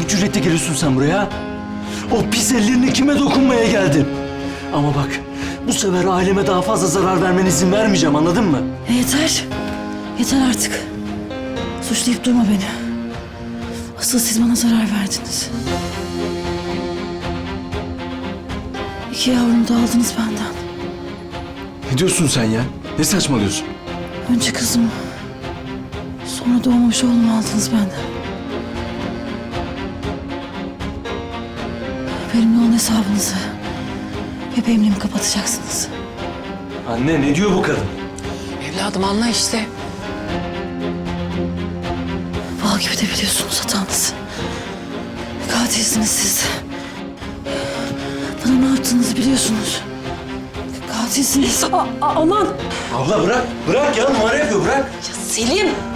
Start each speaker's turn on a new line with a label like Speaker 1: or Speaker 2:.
Speaker 1: hangi cüretle geliyorsun sen buraya? O pis ellerini kime dokunmaya geldin? Ama bak, bu sefer aileme daha fazla zarar vermene izin vermeyeceğim, anladın mı?
Speaker 2: Yeter. Yeter artık. Suçlayıp durma beni. Asıl siz bana zarar verdiniz. 2 yavrumu da aldınız benden.
Speaker 1: Ne diyorsun sen ya? Ne saçmalıyorsun?
Speaker 2: Önce kızımı, sonra doğmamış oğlumu aldınız benden. Benimle olan hesabınızı bebeğimle mi kapatacaksınız?
Speaker 1: Anne, ne diyor bu kadın?
Speaker 3: Evladım anla işte.
Speaker 2: Bal gibi de biliyorsunuz hatanızı. Katilsiniz siz. Bana ne yaptığınızı biliyorsunuz. Katilsiniz. Aman!
Speaker 1: Abla bırak, bırak ya, numara yapıyor, bırak.
Speaker 3: Ya Selim.